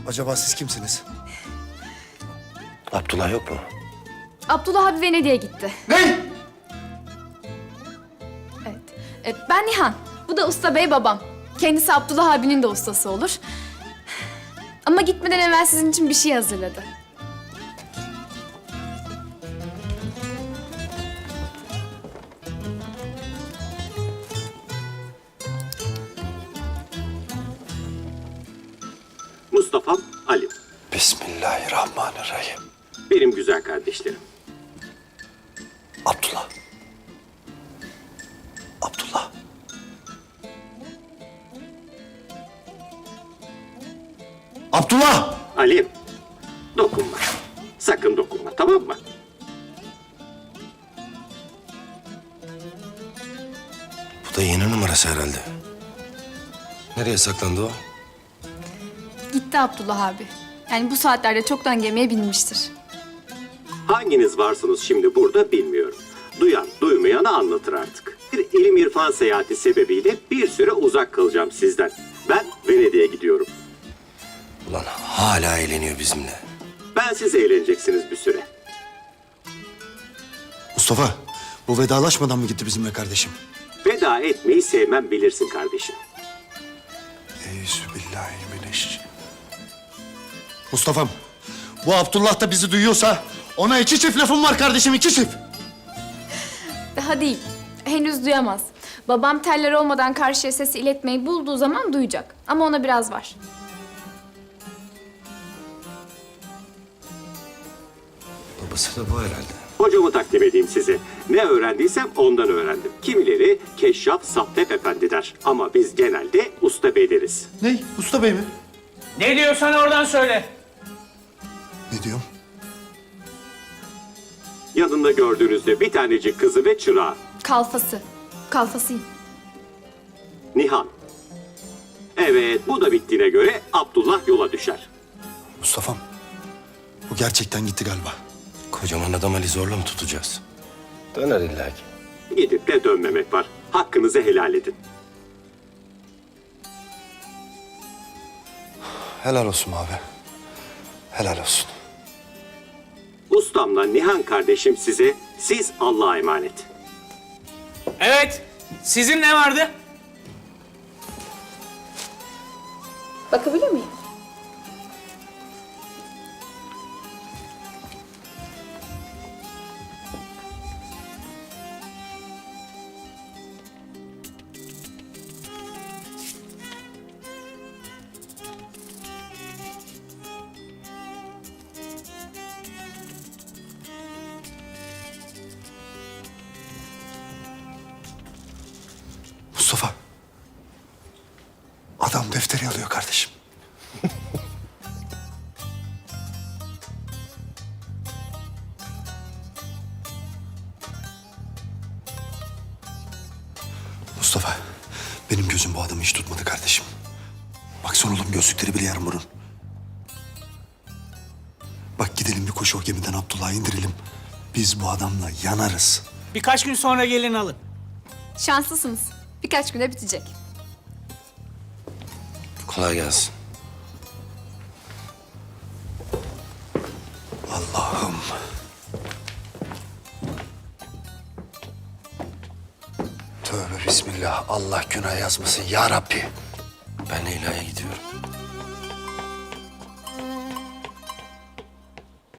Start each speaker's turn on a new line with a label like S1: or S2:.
S1: Acaba siz kimsiniz?
S2: Abdullah yok mu?
S3: Abdullah abi Venedik'e gitti.
S1: Ne?
S3: Evet. Ben Nihan. Bu da Usta Bey babam. Kendisi Abdullah abinin de ustası olur. Ama gitmeden evvel sizin için bir şey hazırladı.
S4: Mustafa'm, Ali.
S2: Bismillahirrahmanirrahim.
S4: Benim güzel kardeşlerim.
S2: Abdullah. Abdullah.
S1: Abdullah!
S4: Ali, dokunma. Sakın dokunma, tamam mı?
S2: Bu da yeni numarası herhalde. Nereye saklandı o?
S3: Gitti Abdullah abi. Yani bu saatlerde çoktan gemiye binmiştir.
S4: Hanginiz varsınız şimdi burada bilmiyorum. Duyan, duymayanı anlatır artık. Bir ilim irfan seyahati sebebiyle bir süre uzak kalacağım sizden. Ben Venedik'e gidiyorum.
S2: Ulan hala eğleniyor bizimle.
S4: Ben siz eğleneceksiniz bir süre.
S1: Mustafa, bu vedalaşmadan mı gitti bizimle kardeşim?
S4: Veda etmeyi sevmem bilirsin kardeşim.
S1: Euzubillahimineşşeytanirracim. Mustafa'm, bu Abdullah da bizi duyuyorsa ona iki çift lafım var kardeşim, iki çift.
S3: Daha değil. Henüz duyamaz. Babam teller olmadan karşıya sesi iletmeyi bulduğu zaman duyacak. Ama ona biraz var.
S2: Babası da bu herhalde.
S4: Hocamı takdim edeyim size. Ne öğrendiysem ondan öğrendim. Kimileri Keşşaf Sattep Efendi der. Ama biz genelde Usta Bey deriz.
S1: Ne? Usta Bey mi?
S5: Ne diyorsan oradan söyle.
S1: Ne diyorum?
S4: Yanında gördüğünüzde bir tanecik kızı ve çırağı.
S3: Kalfası. Kalfasıyım.
S4: Nihan. Evet, bu da bittiğine göre Abdullah yola düşer.
S1: Mustafa'm, bu gerçekten gitti galiba.
S2: Kocaman adam Ali zorla mı tutacağız? Döner illa ki.
S4: Gidip de dönmemek var. Hakkınızı helal edin.
S2: Helal olsun abi. Helal olsun.
S4: Ustamla Nihan kardeşim size, siz Allah'a emanet.
S5: Evet. Sizin ne vardı?
S3: Bakabilir miyim?
S1: Mustafa, adam defteri alıyor kardeşim. Mustafa, benim gözüm bu adamı hiç tutmadı kardeşim. Baksana oğlum, gözlükleri bile yarım burun. Bak gidelim bir koşu o gemiden Abdullah'ı indirelim. Biz bu adamla yanarız.
S5: Birkaç gün sonra gelin alın.
S3: Şanslısınız. Birkaç güne bitecek.
S2: Kolay gelsin.
S1: Allah'ım.
S2: Tövbe bismillah. Allah günah yazmasın ya Rabbi. Ben Leyla'ya gidiyorum.